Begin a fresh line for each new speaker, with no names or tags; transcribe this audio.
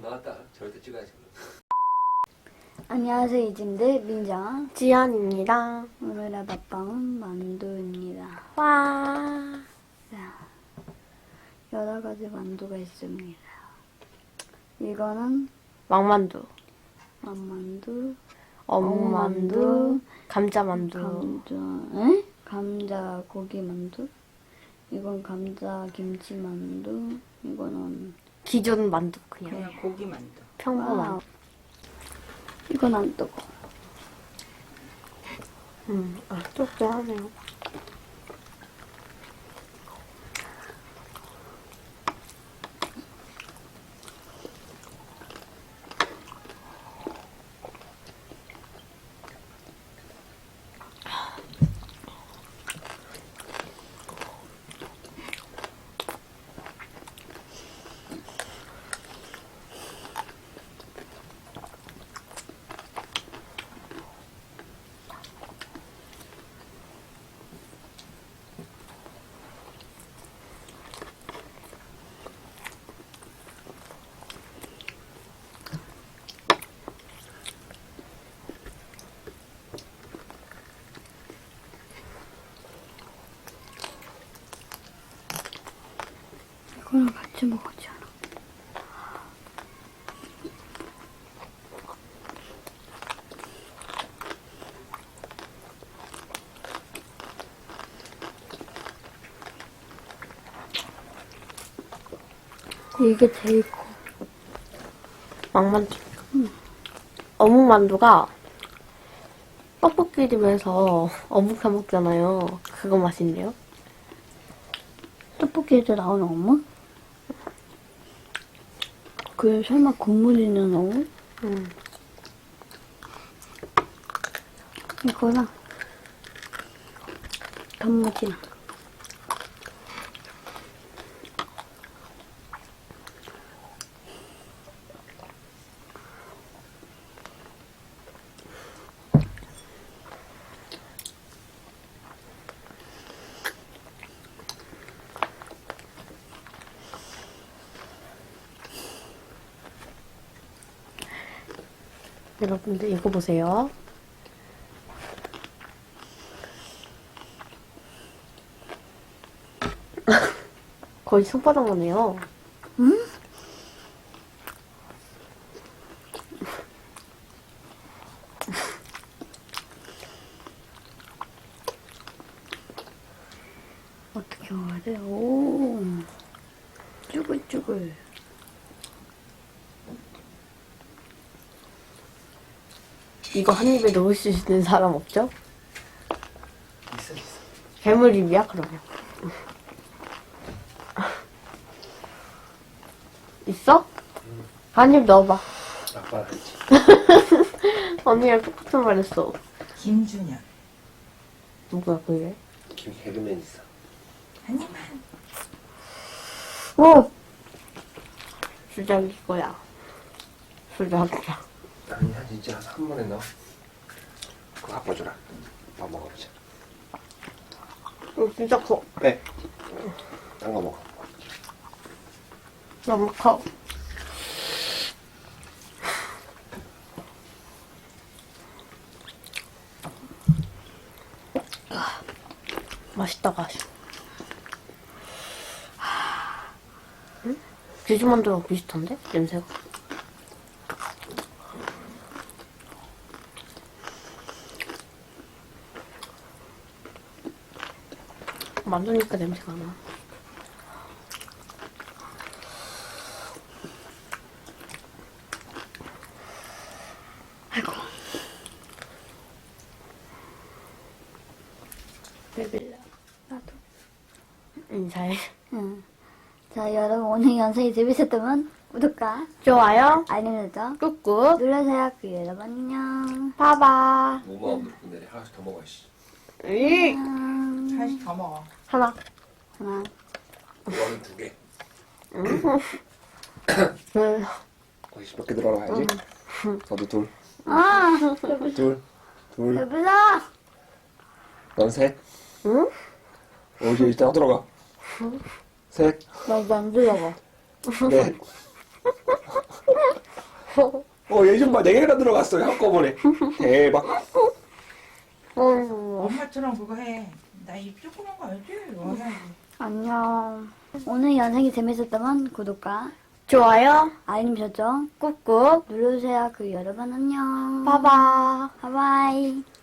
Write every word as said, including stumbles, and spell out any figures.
나왔다. 절대 찍어야지.
안녕하세요, 이진들 민정
지연입니다.
오늘의 밥방은 만두입니다.
와.
자, 여러 가지 만두가 있습니다. 이거는
왕만두,
만만두,
어묵만두, 감자만두.
감자, 에? 감자 고기 만두. 이건 감자 김치 만두. 이거는
기존 만두 그냥.
그냥 고기 만두.
평범한.
와우. 이건 안 뜨거.
음, 아, 쫀쫀하네요.
이거랑 같이 먹었지 않아? 이게 제일 커.
왕만두. 음. 어묵만두가 떡볶이집에서 어묵 사 먹잖아요. 그거 맛인데요.
떡볶이에서 나오는 어묵? 그 설마 국물 있는 어묵?
음.
이거랑 단무지랑
여러분들 이거 보세요. 거의 손바닥만 해요.
응? 어떻게 먹어야 돼? 오, 쭈글쭈글.
이거 한 입에 넣을 수 있는 사람 없죠?
있어 있어.
괴물 입이야 그러면. 있어? 한 입 넣어봐.
아빠랑 같이.
언니랑 똑같은 말 했어.
김준현.
누구야 그게?
김 개그맨 있어.
한 입만.
오! 수작 이거야. 수작이야.
아니 한 진짜 한 번에 넣어. 그거 아빠 줘라. 아빠 먹어보자.
이거 진짜 커.
빼. 딴 거 먹어.
너무 커. 아, 맛있다 가시. 응? 제주만두랑 비슷한데? 냄새가. 만두니까 냄새가 나.
아이고.
배빌라.
나도.
인사해.
응. 자, 여러분 오늘 영상이 재밌었다면 구독과
좋아요.
알림 설정
꾹꾹.
눌러주세요. 그 여러분 안녕.
봐봐.
뭐 먹어? 근데 하나씩 더 먹어야지.
이
안녕.
하나씩 더 먹어.
하나.
하나.
이거는 두 개.
응.
거기서 몇 개 들어가야지. 너도 둘.
아,
둘. 둘.
배불러.
넌 셋.
응?
어, 이제 이따가 들어가. 셋.
나도 안 들어가.
넷. 어, 예전 봐, 네 개나 들어갔어요, 한꺼번에. 대박.
어.
엄마처럼 그거 해. 나 입 조그만 거 알지? 원하지.
안녕. 오늘 영상이 재밌었다면 구독과
좋아요,
알림 설정
꾹꾹,
눌러주세요. 그 여러분 안녕.
봐봐.
바이바이.